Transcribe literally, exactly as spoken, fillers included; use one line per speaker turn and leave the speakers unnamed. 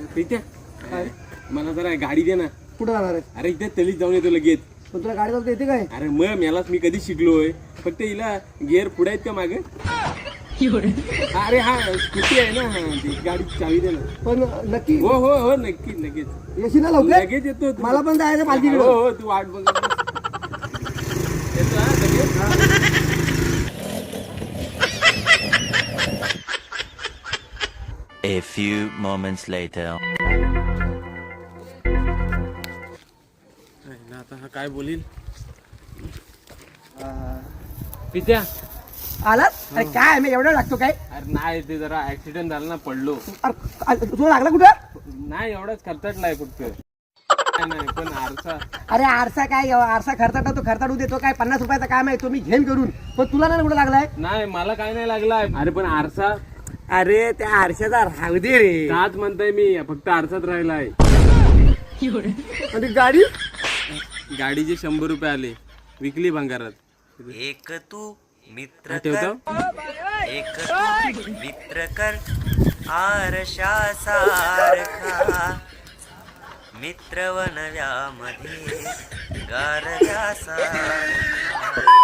प्रीत्या मला जरा गाडी दे ना.
कुठं जाणार आहे?
अरे इथे तलीच जाऊन येतो लगेच.
पण तुला गाडी चालवता येते काय?
अरे मग मेलाच मी कधी शिकलोय. फक्त हिला गिअर पुढे आहेत का मागे? अरे हा स्कूटी आहे ना, हा ती गाडी चावी दे ना.
पण नक्की
हो हो हो नक्की लगेच
येशील ना लवकर?
लगेच येतो.
मला पण जायचं पालखीकडे.
हो हो तू वाट बघ. येतो हा लगेच.
A few moments later.
आता हा काय बोलील? पित्या
आलात? अरे काय मी एवढं लागतो काय?
अरे नाही ते जरा ऍक्सिडेंट झाला ना, पडलो.
अरे तुला लागला कुठं?
नाही एवढाच खर्चाटलाय फक्त. नाही नाही, पण आरसा.
अरे आरसा काय आरसा खर्चाटा तो खर्चाटू देतो काय? पन्नास रुपयाचा काम आहे तो मी घेईन करून. पण तुला नाही कुठं लागलाय?
नाही मला काय नाही लागलाय. अरे पण आरसा.
अरे त्या आरशाचा राहू दे रे.
ताच म्हणताय मी, फक्त आरसात राहिलाय.
आणि गाडी
गाडीचे शंभर रुपये आले, विकली भंगारात.
एक तू मित्र
ठेवतो.
एक तू मित्र कर आरशा सारखा मित्र वनव्यामध्ये गारव्या सारखा.